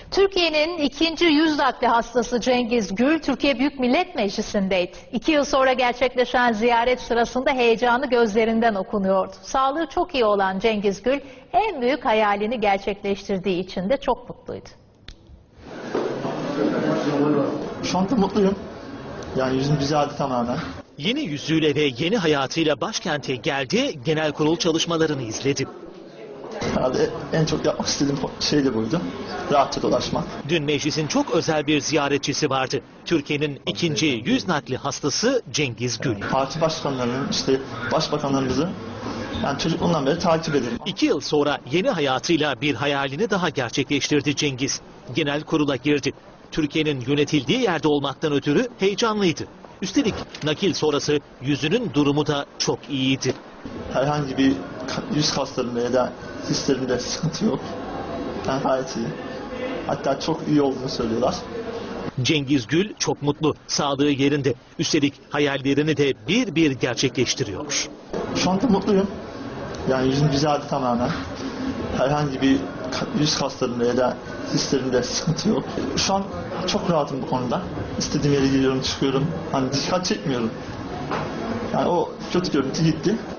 Türkiye'nin ikinci yüz nakli hastası Cengiz Gül, Türkiye Büyük Millet Meclisi'ndeydi. 2 yıl sonra gerçekleşen ziyaret sırasında heyecanı gözlerinden okunuyordu. Sağlığı çok iyi olan Cengiz Gül, en büyük hayalini gerçekleştirdiği için de çok mutluydu. Şu anda mutluyum. Yani yüzüm düzeldi tamamen. Yeni yüzüyle ve yeni hayatıyla başkente geldi, genel kurul çalışmalarını izledi. Herhalde en çok yapmak istediğim şey de buydu. Rahatça dolaşmak. Dün meclisin çok özel bir ziyaretçisi vardı. Türkiye'nin ikinci yüz nakli hastası Cengiz Gül. Parti başkanlarının, başbakanlarımızı yani çocukluğumdan beri takip ederim. 2 yıl sonra yeni hayatıyla bir hayalini daha gerçekleştirdi Cengiz. Genel kurula girdi. Türkiye'nin yönetildiği yerde olmaktan ötürü heyecanlıydı. Üstelik nakil sonrası yüzünün durumu da çok iyiydi. Herhangi bir yüz kaslarında ya da hislerimde sıkıntı yok. Yani gayet iyi. Hatta çok iyi olduğunu söylüyorlar. Cengiz Gül çok mutlu, sağlığı yerinde. Üstelik hayallerini de bir bir gerçekleştiriyor. Şu anda mutluyum. Yani yüzüm düzeldi tamamen. Herhangi bir yüz kaslarında ya da hislerimde sıkıntı yok. Şu an çok rahatım bu konuda. İstediğim yere gidiyorum, çıkıyorum. Hani dikkat çekmiyorum. Yani o kötü görüntü gitti.